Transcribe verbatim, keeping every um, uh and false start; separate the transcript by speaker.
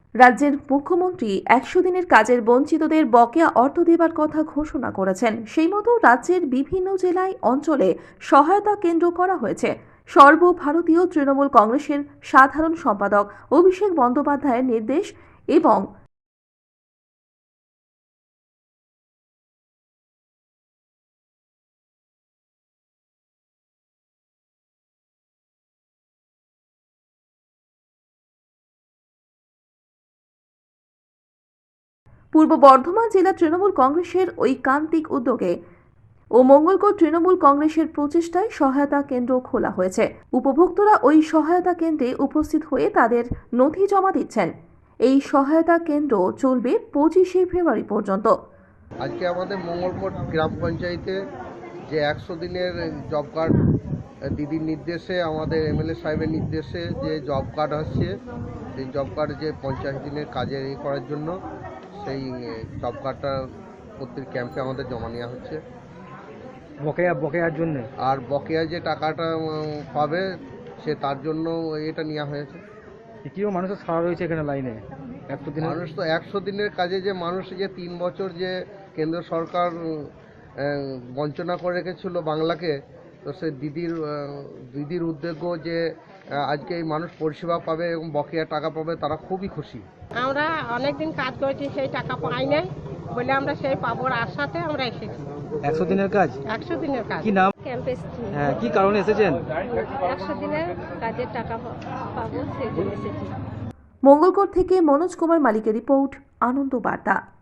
Speaker 1: রাজ্যের মুখ্যমন্ত্রী একশো দিনের কাজের বঞ্চিতদের বকেয়া অর্থ দেবার কথা ঘোষণা করেছেন। সেই মতো রাজ্যের বিভিন্ন জেলায় অঞ্চলে সহায়তা কেন্দ্র করা হয়েছে। সর্বভারতীয় তৃণমূল কংগ্রেসের সাধারণ সম্পাদক অভিষেক বন্দ্যোপাধ্যায়ের নির্দেশ এবং পূর্ব বর্ধমান জেলা তৃণমূল কংগ্রেসের ঐকান্তিক উদ্যোগে ও মঙ্গলকোট তৃণমূল কংগ্রেসের প্রচেষ্টায় সহায়তা কেন্দ্র খোলা হয়েছে। উপভোক্তারা ওই সহায়তা কেন্দ্রে উপস্থিত হয়ে তাদের নথি জমা দিচ্ছেন। এই সহায়তা কেন্দ্র চলবে পঁচিশে ফেব্রুয়ারি পর্যন্ত।
Speaker 2: আজকে আমাদের মঙ্গলকোট গ্রাম পঞ্চায়েতে যে একশো দিনের জব কার্ড দিদির নির্দেশে, আমাদের এমএলএ সাহেবের নির্দেশে যে জব কার্ড আসছে, সেই জব কার্ড যে পঞ্চাশ দিনের কাজে এ করার জন্য সেই জব কার্ডটা প্রত্যেক ক্যাম্পে আমাদের জমা নেওয়া হচ্ছে।
Speaker 3: বকেয়া বকেয়ার জন্য
Speaker 2: আর বকেয়া যে টাকাটা পাবে সে তার জন্য এটা নেওয়া হয়েছে।
Speaker 3: কিও মানুষের সারা রয়েছে এখানে লাইনে একশো দিন
Speaker 2: মানুষ তো একশো দিনের কাজে যে মানুষ যে তিন বছর যে কেন্দ্র সরকার বঞ্চনা করে রেখেছিল বাংলাকে, তো সে দিদির দিদির উদ্যোগ যে আজকে এই মানুষ পরিষেবা পাবে এবং বকেয়া টাকা পাবে, তারা খুবই খুশি।
Speaker 4: আমরা অনেকদিন কাজ করেছি, সেই টাকা পাই নাই বলে আমরা সেই পাবোর আশাতে আমরা এসেছি।
Speaker 3: একশো দিনের কাজ
Speaker 4: একশো দিনের কাজ।
Speaker 3: কি নাম?
Speaker 5: ক্যাম্পে এসেছি।
Speaker 3: হ্যাঁ, কি কারণে এসেছেন?
Speaker 5: একশো দিনের কাজের টাকা পাবো সেই জন্য এসেছি।
Speaker 1: মঙ্গলকোট থেকে মনোজ কুমার মালিকের রিপোর্ট, আনন্দ বার্তা।